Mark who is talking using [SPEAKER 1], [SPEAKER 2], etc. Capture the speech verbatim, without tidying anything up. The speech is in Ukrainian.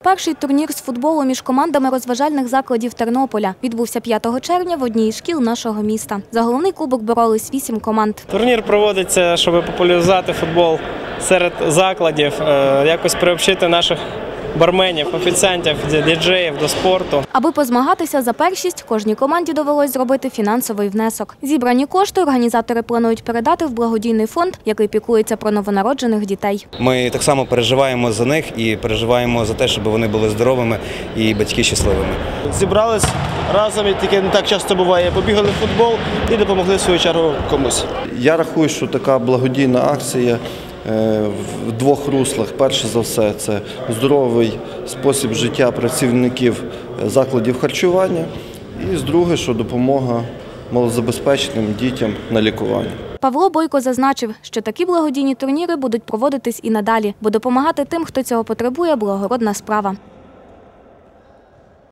[SPEAKER 1] Перший турнір з футболу між командами розважальних закладів Тернополя відбувся п'ятого червня в одній із шкіл нашого міста. За головний кубок боролись вісім команд.
[SPEAKER 2] Турнір проводиться, щоб популяризувати футбол серед закладів, якось приобщити наших барменів, офіціантів, діджеїв до спорту.
[SPEAKER 1] Аби позмагатися за першість, кожній команді довелось зробити фінансовий внесок. Зібрані кошти організатори планують передати в благодійний фонд, який піклується про новонароджених дітей.
[SPEAKER 3] Ми так само переживаємо за них і переживаємо за те, щоб вони були здоровими і батьки щасливими.
[SPEAKER 4] Зібрались разом, і таке не так часто буває, побігали в футбол і допомогли в свою чергу комусь.
[SPEAKER 5] Я рахую, що така благодійна акція в двох руслах. Перше за все, це здоровий спосіб життя працівників закладів харчування. І друге, що допомога малозабезпеченим дітям на лікування.
[SPEAKER 1] Павло Бойко зазначив, що такі благодійні турніри будуть проводитись і надалі, бо допомагати тим, хто цього потребує, благородна справа.